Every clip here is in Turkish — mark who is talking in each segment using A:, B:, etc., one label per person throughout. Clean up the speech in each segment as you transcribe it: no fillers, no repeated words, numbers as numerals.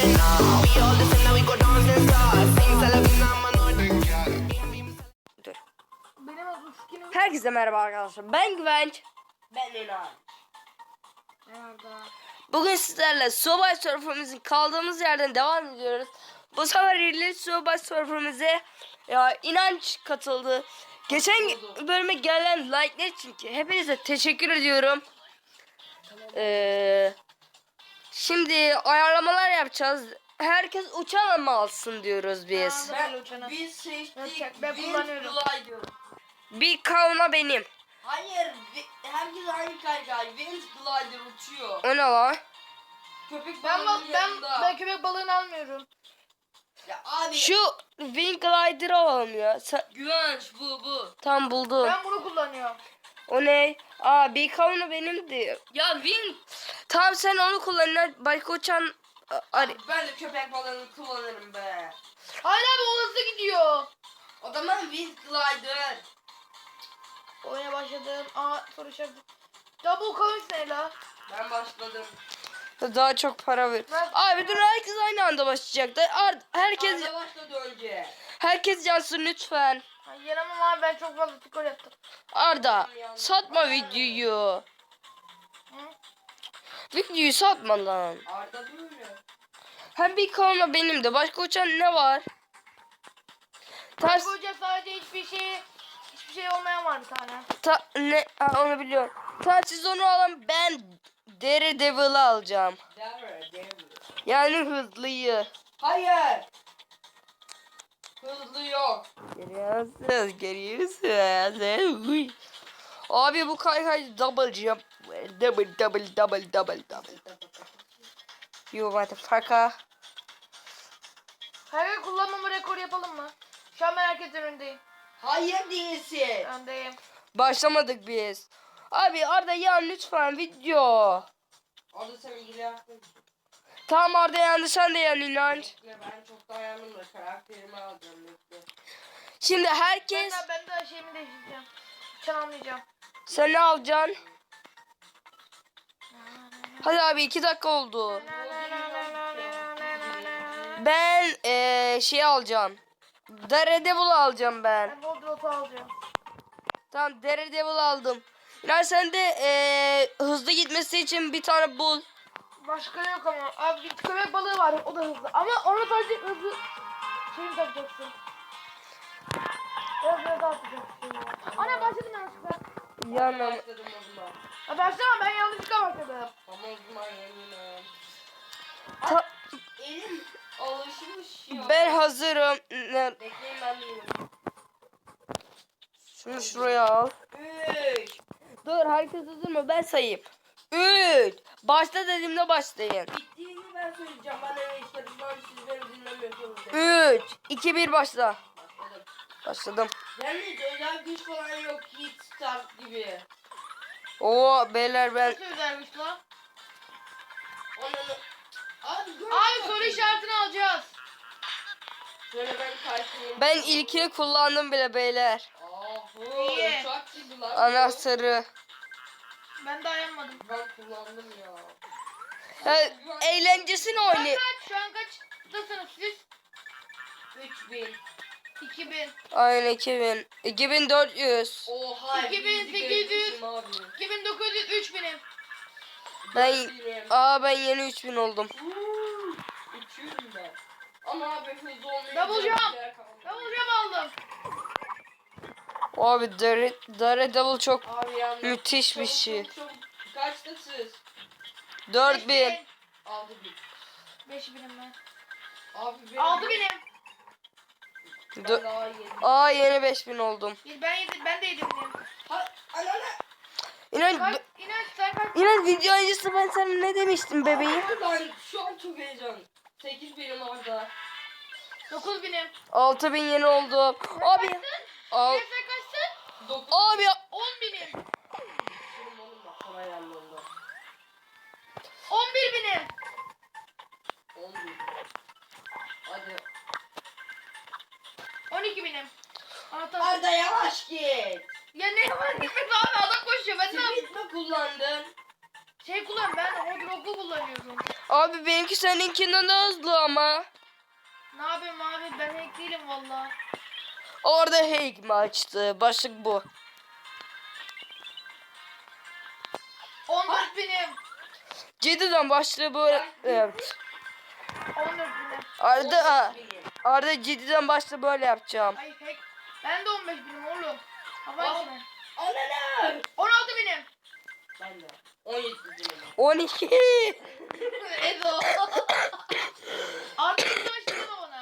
A: Dur. Herkese merhaba arkadaşlar. Ben Güvenç.
B: Ben Enan.
C: Merhaba.
A: Bugün sizlerle Subway Surfer'ımızın kaldığımız yerden devam ediyoruz. Bu sefer Relay Subway Surfer'ımıza İnanç katıldı. Geçen bölüme gelen like'ler için ki hepinize teşekkür ediyorum. Şimdi ayarlamalar yapacağız. Herkes uçan mı alsın diyoruz biz.
B: Biz seçtik.
C: Ben kullanıyorum.
A: Bir kavuna benim.
B: Hayır. Herkes aynı kaygı. Wind Glider uçuyor.
A: O ne lan?
B: Köpek
C: Ben
B: balığının yanında.
C: ben köpek balığını almıyorum.
B: Ya abi.
A: Şu Wing Glider'ı alalım ya.
B: Güvenç bu.
A: Tam buldum.
C: Ben bunu kullanıyorum.
A: O ne? Aa bir kavunu benimdi.
B: Ya Wind.
A: Tamam sen onu kullan. Başka uçan...
B: Ben de köpek balığını kullanırım be.
C: Hayır abi o hızlı gidiyor.
B: O zaman Wind Glider.
C: Oyuna başladım. Soru işareti. Double coins ne la?
B: Ben başladım.
A: Daha çok para ver. Abi dur herkes aynı anda başlayacak. Herkes
B: Arda başladı önce.
A: herkes yansın lütfen.
C: Yenemem abi ben çok fazla skor yaptım.
A: Arda satma videoyu. Videoyu satma lan.
B: Arda böyle.
A: Hem bir kavuna benim de. Başka uçan ne var? Ters...
C: Hoca sadece hiçbir şey olmayan var bir tane.
A: Ne? Onu biliyorum. Tamam siz onu alın ben Daredevil'ı alacağım.
B: Devil.
A: Yani hızlıyı.
B: Hayır. Hızlı yok.
A: Geliyorsunuz. Abi bu kaykay double jump. Double. You motherfucker.
C: Her kullanmama rekoru yapalım mı? Şu an ben herkesin önündeyim.
B: Hayır değilsin.
C: Öndeyim.
A: Başlamadık biz. Abi Arda ya lütfen video.
B: Arda sen ilgilensin.
A: Tamam Arda yandı sen de yan inanç.
B: Bekle ben çok dayandım da karakterimi alacağım bekle.
A: Şimdi herkes
C: Ben de şeyimi değiştireceğim. Uçan almayacağım.
A: sen ne alacaksın? Hadi abi 2 dakika oldu. Ben şey alacağım. Daredevil alacağım ben.
C: Ben Voldrot'u alacağım.
A: Tamam Daredevil aldım. Yani sen de hızlı gitmesi için bir tane bul.
C: Başka yok ama. Abi bir köpek balığı var. O da hızlı. Ama ona sadece hızlı şeyini takacaksın. Biraz daha atacaksın. Ana başladım yanlışlıkla.
A: Yanım.
B: Başladım o zaman.
C: Başlama ben yanlışlıkla başladım.
B: Ama o zaman eminim.
A: Ta-
B: Elim alışmış ya.
A: Ben hazırım.
B: Bekleyin ben değilim.
A: Şunu şuraya al.
B: 3.
A: Dur herkes hazır mı? Ben sayayım. 3. Başla dediğimde başlayın.
B: Bittiğini ben söyleyeceğim. Ben eve istedim. Ben siz beni dinlemiyorsunuz.
A: 3, 2, 1 başla.
B: Başladım.
A: Başladım.
B: Yalnız özel güç falan yok. Hit start gibi.
A: Oo beyler ben
C: Nasıl özelmiş lan?
B: Onu... Abi dur.
C: Abi soru işaretini alacağız.
B: Şöyle ben karşılayayım.
A: ben ilkini kullandım bile beyler.
C: İyi.
B: Uçak gibi lan.
A: Anahtarı.
C: Ben dayanmadım.
B: Ben kullandım ya.
A: Ha, eğlencesini oynay.
C: Şu an kaçtasınız siz?
B: 3000.
C: 2000.
A: Aynen 2000. 2400.
B: Oha.
C: 2800.
B: 2900.
C: 2900 3000'im.
A: Ben yeni 3000 oldum.
B: Uçuyorum ben. Ama abi hızlı olmayı...
C: Double jump. Double jump aldım.
A: Abi Daredevil çok
B: Abi yalnız.
A: müthiş bir şey.
B: Çok. Kaçtasınız?
A: 4000.
B: 6000.
C: 5000'im ben.
B: Abi benim...
C: 6000'im.
B: Ben daha yedim.
A: Yeni 5000 oldum.
C: Ben de 7000'im.
B: Anana.
A: İnan
C: İnanç sen kaç?
A: İnan video öncesi ben sana ne demiştim bebeğim?
B: Ben şu an çok heyecanlıyım. 8 benim orada.
C: 9000'im.
A: 6000 yeni oldu. Abi al.
C: Sen kaçsın?
B: 9
A: Abi
C: 10.000'im.
B: benim oğlum bak sana yanlarında.
C: 11.000'im.
B: 11. Hadi.
C: 12.000'im. Anahtar.
B: Arda yavaş git.
C: Ya ne var gitmek abi adam koşuyor ben ne yapayım?
B: Speed mi kullandın?
C: Şey kullan, ben Hodrog'u kullanıyorum.
A: Abi benimki seninkinden daha hızlı ama.
C: Ne yapayım abi, ben hack değilim valla.
A: Orada hack mi açtı? Başlık bu.
C: 14 binim.
A: Cidden başlığı böyle. Evet.
C: 14 binim.
A: Arda cidden başta böyle yapacağım.
C: Ay hack. Ben de 15 binim oğlum. Hava içine.
B: Anne.
C: 16 binim.
B: Ben de. 17 dilim.
A: 12.
C: Ezo. Abi kaç binim bana?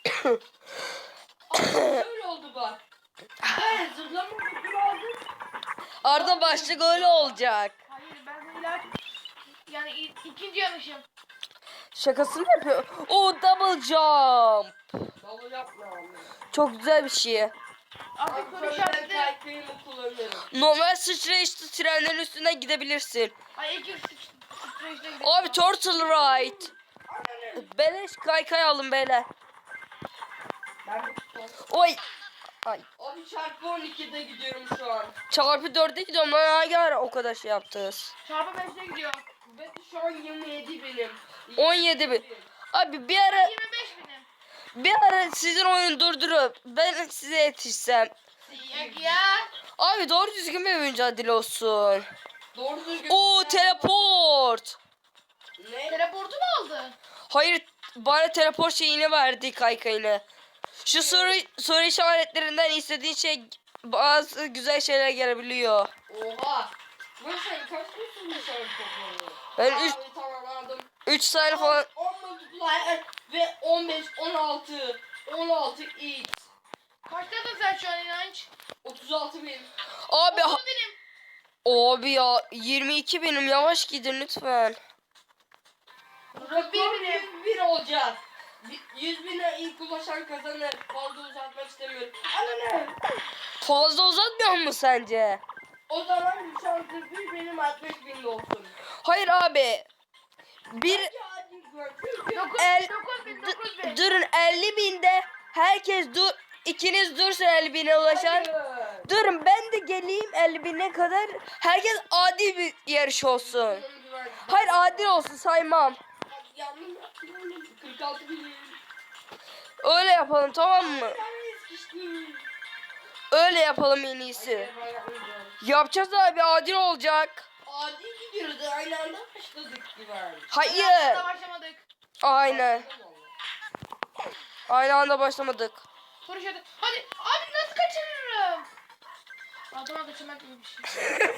B: Şöyle oldu bak. Ben zırlama kutu aldım.
A: Arda başlık öyle olacak.
C: Hayır, ben de ilaç. Yani ikinci yanlışım.
A: Şakasını yapıyor. O double jump.
B: Davul yapma abi.
A: Çok güzel bir şey.
C: Artık
B: Abi
C: soru
B: sonra ben
C: işareti.
B: kaykayımı kullanırım.
A: Normal sıçrayışlı trenlerin üstüne gidebilirsin.
C: Ay iki sıçrayışta gidelim.
A: Abi turtle ride.
B: Anne.
A: Beleş kaykay alın beyler.
B: Ben
A: Oy. Ay.
B: Abi çarpı 12'de gidiyorum şu an.
A: Çarpı 4'e gidiyorum lan hangi ara o kadar şey yaptınız.
C: Çarpı 5'te gidiyor.
B: Ve şu an 27 benim.
A: 17 bin. Abi bir ara
C: 25 binim.
A: sizin oyunu durdurup ben size yetişsem.
C: Yok ya.
A: Abi doğru düzgün bir mücadele olsun.
B: Doğru düzgün.
A: Oo teleport.
B: Ne?
C: Teleportu mu aldı?
A: Hayır bana teleport şeyini verdi kaykayını. Şu soru işaretlerinden istediğin şey bazı güzel şeyler gelebiliyor.
B: Oha. Ben sen kaç kutusun dışarı toplanıyor?
A: Ben
B: Abi
A: 3
B: tamam aldım.
A: tane falan
B: 10 multiplier ve 15, 16, 16 x.
C: Kaçtasın sen şu an inanç?
B: 36 bin.
A: abi
C: 30 binim.
A: abi ya 22 benim yavaş gidin lütfen.
B: Rekor 101 olacak. 100 bine ilk ulaşan kazanır. Fazla uzatmak istemiyorum. Anne.
A: Fazla uzatmıyor mu sence?
B: O zaman şansı bir benim 60 bin olsun.
A: Hayır abi. Bir
B: Bence adil gör. Çünkü
C: 9
A: El-
C: bin 9 bin.
A: durun 50 binde herkes ikiniz dursun 50 bine ulaşan.
B: Hayır.
A: Durun ben de geleyim 50 bine kadar. Herkes adil bir yarış olsun. Hayır adil olsun saymam.
B: Yandım yaptım oğlum. 46 bin.
A: Öyle yapalım tamam mı?
B: Ben sıkıştım.
A: Öyle yapalım en iyisi.
B: Hayır, ben yapmayacağım.
A: Yapacağız abi adil olacak.
B: Adil gidiyoruz. Aynı anda başladık gibi.
A: Hayır.
C: Daha başlamadık.
A: Aynen. Aynı anda başlamadık.
C: Soru işareti. Hadi abi nasıl kaçırırım? Adama kaçırmak gibi bir şey.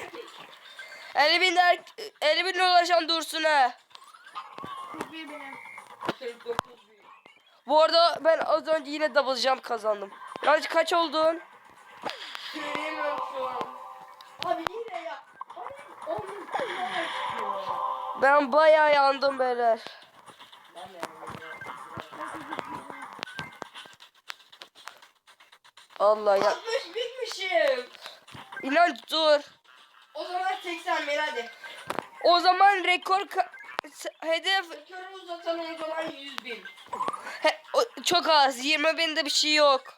A: 50 bine ulaşan dursun ha.
C: 41 binim.
B: 49 bin.
A: Bu arada ben az önce yine double jump kazandım. Yani kaç oldun?
B: Söyleyemiyorum şu an. Abi yine ya. Abi onun üstüne çıkıyor.
A: Ben bayağı yandım beyler.
B: Ben de yapıyorum.
A: Allah ya.
B: 60 binmişim.
A: İnanç dur.
B: O zaman 80 bin hadi.
A: O zaman rekor hedef
B: Rekoru uzatalım o zaman 100 bin.
A: çok az. 20 binde bir şey yok.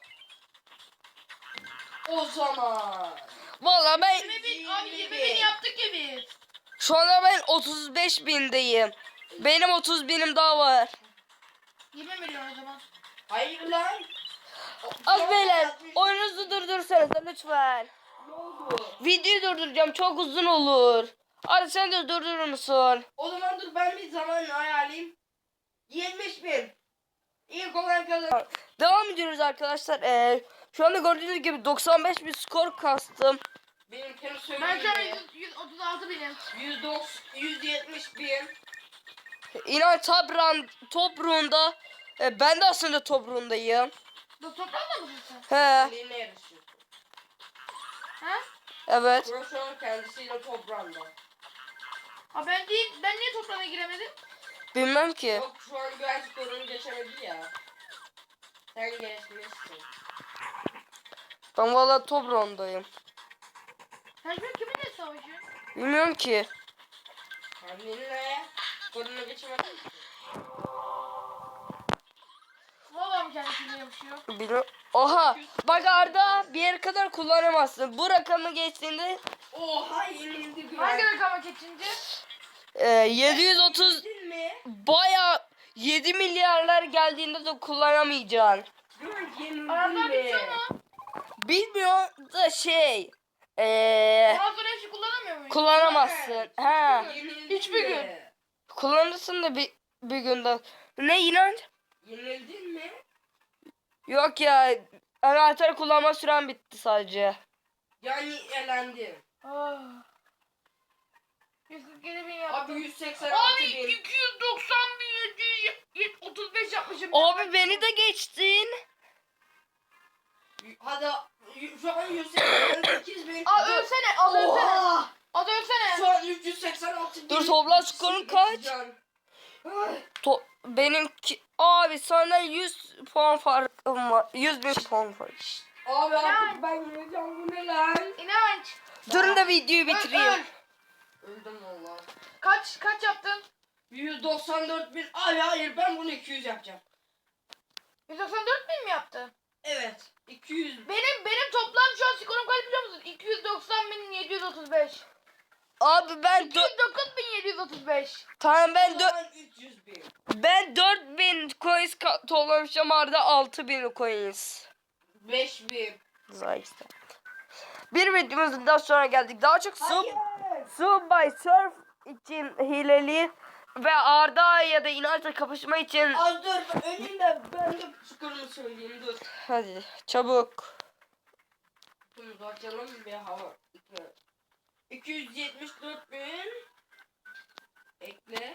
B: O zaman.
A: Vallahi ben
C: 20 bin abi 20 bin yaptık ya biz.
A: şu anda ben 35 bindeyim. Benim 30 binim daha var.
C: 20 milyon o zaman.
B: Hayır lan.
A: Az beyler oyununuzu durdursanız lütfen.
B: Ne oldu?
A: Videoyu durduracağım çok uzun olur. Hadi sen de durdurur musun?
B: O zaman dur ben bir zaman ayarlayayım. 70 bin. İlk olan kazan.
A: Devam ediyoruz arkadaşlar. Şu anda gördüğünüz gibi 95 bir skor kastım.
B: Benimkini
C: Ben
B: söyleyeyim
C: şu an
B: mi?
C: 136 binim.
B: 170 bin.
A: İnan top run'da ben de aslında top run'dayım.
C: Bu toplamda mısın sen?
A: He,
B: Seninle yarışıyor.
C: Ha?
A: evet.
B: Broşon kendisiyle toprağında.
C: Ha ben değil. Ben niye toprağına giremedim?
A: Bilmem ki.
B: Yok şu an güven skorunu geçemedi ya. Sen geçmişsin.
A: Ben valla top run'dayım.
C: Sen şu an kiminle savaşıyorsun?
A: Bilmiyorum ki.
B: Kendinle skorunu geçemedin.
C: Vallahi mi kendisiyle yapışıyor?
A: Bilmiyorum. Oha. Bak Arda bir yere kadar kullanamazsın. Bu rakamı geçtiğinde
B: Oha yenildi güven.
C: Hangi rakama geçince?
A: 730
B: Bildin mi?
A: baya 7 milyarlar geldiğinde de kullanamayacaksın.
B: Yenildin
C: Anahtar
B: mi?
C: bitiyor mu?
A: Bilmiyorum da
C: Ondan sonra hiç şey kullanamıyor muyum?
A: kullanamazsın. Ha,
B: Yenildin
C: Hiçbir
B: mi?
C: gün.
A: kullanırsın da bir günde. Ne inanç?
B: Yenildin mi?
A: Yok ya, anahtar kullanma süren bitti sadece.
B: Yani elendin.
C: Ah. 147 bin yaptım.
B: Abi 186
C: Abi
B: bin.
C: 290 bin 735 yapmışım.
A: Abi beni de geçtin.
B: Hadi şu an 188 bin.
C: Aa ölsene, az ölsene.
B: Oha!
C: Az ölsene.
B: Şu an 386 bin.
A: Dur, toplam skorun kaç? Benimki abi senden 100 puan farkım var. 100 bin puan fark.
B: Abi
C: Yani.
B: artık ben yeneceğim, bu ne lan?
C: İnanç.
A: Durun da videoyu
C: Öl,
A: bitireyim.
C: öl.
B: Öldüm valla.
C: Kaç yaptın?
B: 194 bin. Hayır, ben bunu 200 yapacağım.
C: 194 bin mi yaptın?
B: Evet. 200.
C: Benim toplam şu an skorum kaç biliyor musun? 290 bin 735.
A: Abi ben
C: 209 bin 735.
A: tamam ben
B: Şu an 300 bin.
A: 4000 coins toplamışım, arada 6000 coins.
B: 5 bin.
A: Zayıfta. Bir videomuzun daha sonra geldik. Daha çok
B: Hayır.
A: Subway Surf için hileli ve Arda ya da İnanç'la kapışma için.
B: Az dur, önünde ben de skorumu söyleyeyim, dur.
A: Hadi çabuk.
B: Bunu açalım bir hava. 274 bin. Ekle.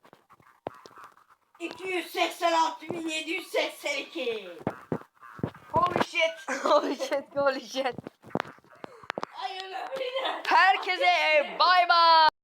B: 286.782.
C: Holy shit.
A: Holy shit, holy shit.
B: Hayır, öyle.
A: Herkese bay bay.